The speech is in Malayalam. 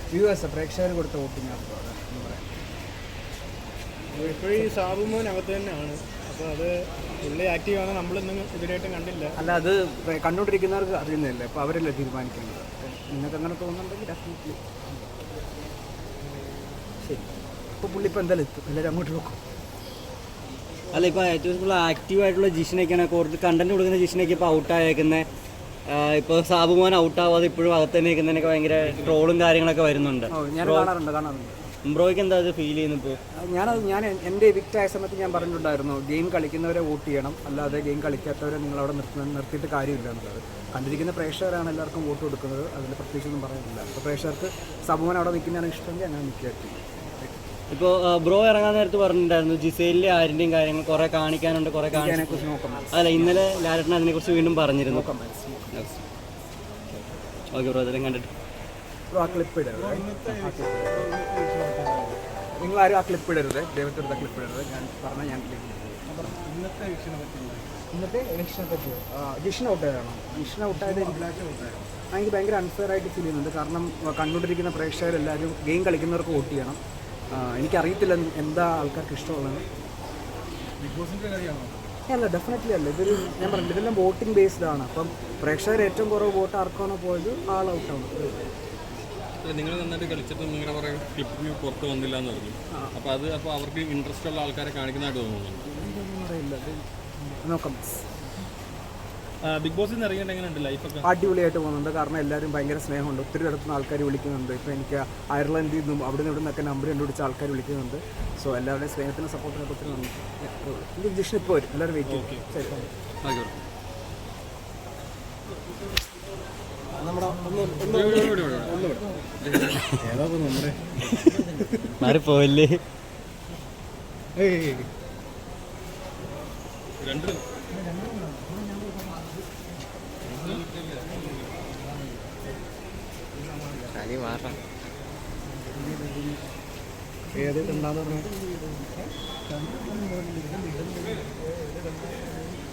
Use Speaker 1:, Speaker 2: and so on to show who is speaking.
Speaker 1: വ്യൂവേഴ്സ് പ്രേക്ഷകർ കൊടുത്ത വോട്ടിംഗ് ആണ്
Speaker 2: ഇപ്പോഴും ഈ സാബുമോൻ അകത്ത് തന്നെയാണ്. അപ്പോൾ അത് പുള്ളി ആക്റ്റീവാണ്, നമ്മളൊന്നും ഇതിനായിട്ടും കണ്ടില്ല.
Speaker 1: അല്ല, അത് കണ്ടുകൊണ്ടിരിക്കുന്നവർക്ക് അറിയുന്നില്ല, അപ്പോൾ അവരല്ലേ തീരുമാനിക്കേണ്ടത്. നിങ്ങൾക്ക് അങ്ങനെ തോന്നുന്നുണ്ടെങ്കിൽ ഡെഫിനറ്റ്ലി ശരി. ഇപ്പോൾ പുള്ളി ഇപ്പോൾ എന്തായാലും എത്തും, എല്ലാവരും അങ്ങോട്ട് നോക്കും.
Speaker 3: അല്ല, ഇപ്പോൾ ഏറ്റവും കൂടുതൽ ആക്റ്റീവായിട്ടുള്ള ജിഷിനൊക്കെയാണ് കൂടുതൽ കണ്ടന്റ് കൊടുക്കുന്ന ജിഷിനൊക്കെ ഇപ്പോൾ ഔട്ടായേക്കുന്നത്. ഇപ്പോൾ സാബുമോൻ ഔട്ടാവാതെ ഇപ്പോഴും അകത്ത് തന്നെ നിൽക്കുന്നതിനൊക്കെ ഭയങ്കര ട്രോളും കാര്യങ്ങളൊക്കെ വരുന്നുണ്ട്.
Speaker 1: ഞാൻ കാണാറുണ്ട്.
Speaker 3: ബ്രോയ്ക്ക് എന്താ അത് ഫീൽ ചെയ്യുന്നു? ഇപ്പോൾ
Speaker 1: ഞാൻ എൻ്റെ എവിക്റ്റ് ആയ സമയത്ത് ഞാൻ പറഞ്ഞിട്ടുണ്ടായിരുന്നു, ഗെയിം കളിക്കുന്നവരെ വോട്ട് ചെയ്യണം, അല്ലാതെ ഗെയിം കളിക്കാത്തവരെ നിങ്ങളവിടെ നിർത്തിയിട്ട് കാര്യമില്ല എന്നുള്ളത്. കണ്ടിരിക്കുന്ന പ്രേക്ഷകരാണ് എല്ലാവർക്കും വോട്ട് കൊടുക്കുന്നത്, അതിൽ പ്രത്യേകിച്ചൊന്നും പറയാനില്ല. അപ്പോൾ പ്രേക്ഷകർക്ക് സാബുമോൻ അവിടെ നിൽക്കുന്നതാണ് ഇഷ്ടമെങ്കിൽ അങ്ങനെ നിൽക്കുകയായിരിക്കും.
Speaker 3: ഇപ്പോൾ ബ്രോ ഇറങ്ങാൻ നേരത്ത് പറഞ്ഞിട്ടുണ്ടായിരുന്നു ജിസേലിലെ ആരിൻ്റെയും കാര്യങ്ങൾ കുറേ കാണിക്കാനുണ്ട്, കുറേ
Speaker 1: അതിനെക്കുറിച്ച് നോക്കാം.
Speaker 3: അല്ല, ഇന്നലെ ലാലേട്ടൻ അതിനെക്കുറിച്ച് വീണ്ടും പറഞ്ഞിരുന്നു. ഓക്കെ ബ്രോ, അതെല്ലാം കണ്ടിട്ട്
Speaker 1: ആ ക്ലിപ്പ് ഇടരുത്, നിങ്ങളാരും ആ ക്ലിപ്പ് ഇടരുത്, ദൈവത്തെടുത്ത ക്ലിപ്പ് ഇടരുത്. ഞാൻ പറഞ്ഞാൽ ഞാൻ ഇന്നത്തെ ഇലക്ഷനെ പറ്റി ജിഷിന് ഔട്ടായതാണോ? ജിഷിന് ഔട്ടായത് എനിക്ക് ഭയങ്കര അൺഫെയർ ആയിട്ട് ഫീൽ ചെയ്യുന്നുണ്ട്. കാരണം കണ്ടുകൊണ്ടിരിക്കുന്ന പ്രേക്ഷകരെല്ലാവരും ഗെയിം കളിക്കുന്നവർക്ക് വോട്ട് ചെയ്യണം. എനിക്കറിയത്തില്ല എന്താ ആൾക്കാർക്ക് ഇഷ്ടമുള്ളത്.
Speaker 2: ബിഗ് ബോസിൻ്റെ കാര്യമാണോ?
Speaker 1: അല്ല, ഡെഫിനറ്റ്ലി അല്ല. ഞാൻ പറഞ്ഞില്ല, ഇതെല്ലാം വോട്ടിംഗ് ബേസ്ഡ് ആണ്. അപ്പം പ്രേക്ഷകർ ഏറ്റവും കുറവ് വോട്ട് ആർക്കാണോ പോയത് ആൾ ഔട്ടാണ്.
Speaker 4: നിങ്ങൾ നന്നായിട്ട് കളിച്ചിട്ട് നിങ്ങളുടെ കുറേ ക്ലിപ്പ് പുറത്ത് വന്നില്ല എന്ന് പറഞ്ഞു. അപ്പോൾ അവർക്ക് ഇൻട്രസ്റ്റ് ഉള്ള ആൾക്കാരെ കാണിക്കുന്നതായിട്ട് തോന്നുന്നുണ്ട്.
Speaker 1: നോക്കാം.
Speaker 2: ബിഗ് ബോസിൽ നിന്ന് ഇറങ്ങിയിട്ട് എങ്ങനെയുണ്ട് ലൈഫൊക്കെ?
Speaker 1: അടിപൊളിയായിട്ട് പോകുന്നുണ്ട്. കാരണം എല്ലാവരും ഭയങ്കര സ്നേഹമുണ്ട്. ഒത്തിരി ഇടത്തുനിന്ന് ആൾക്കാർ വിളിക്കുന്നുണ്ട്. ഇപ്പോൾ എനിക്ക് അയർലൻഡിൽ നിന്നും അവിടെ നിന്ന് ഇവിടെ നിന്നൊക്കെ നമ്പർ കണ്ടുപിടിച്ച ആൾക്കാർ വിളിക്കുന്നുണ്ട്. സോ എല്ലാവരുടെയും സ്നേഹത്തിനും സപ്പോർട്ടിനൊക്കെ ഒത്തിരി നന്ദി. എനിക്ക് ജിഷൻ ഇപ്പോൾ വരും, എല്ലാവരും വെയിറ്റ് ചെയ്യും. ശരി,
Speaker 3: മാറിപ്പോയില്ലേ?
Speaker 4: രണ്ട്
Speaker 1: ഏത് ഉണ്ടാകുന്ന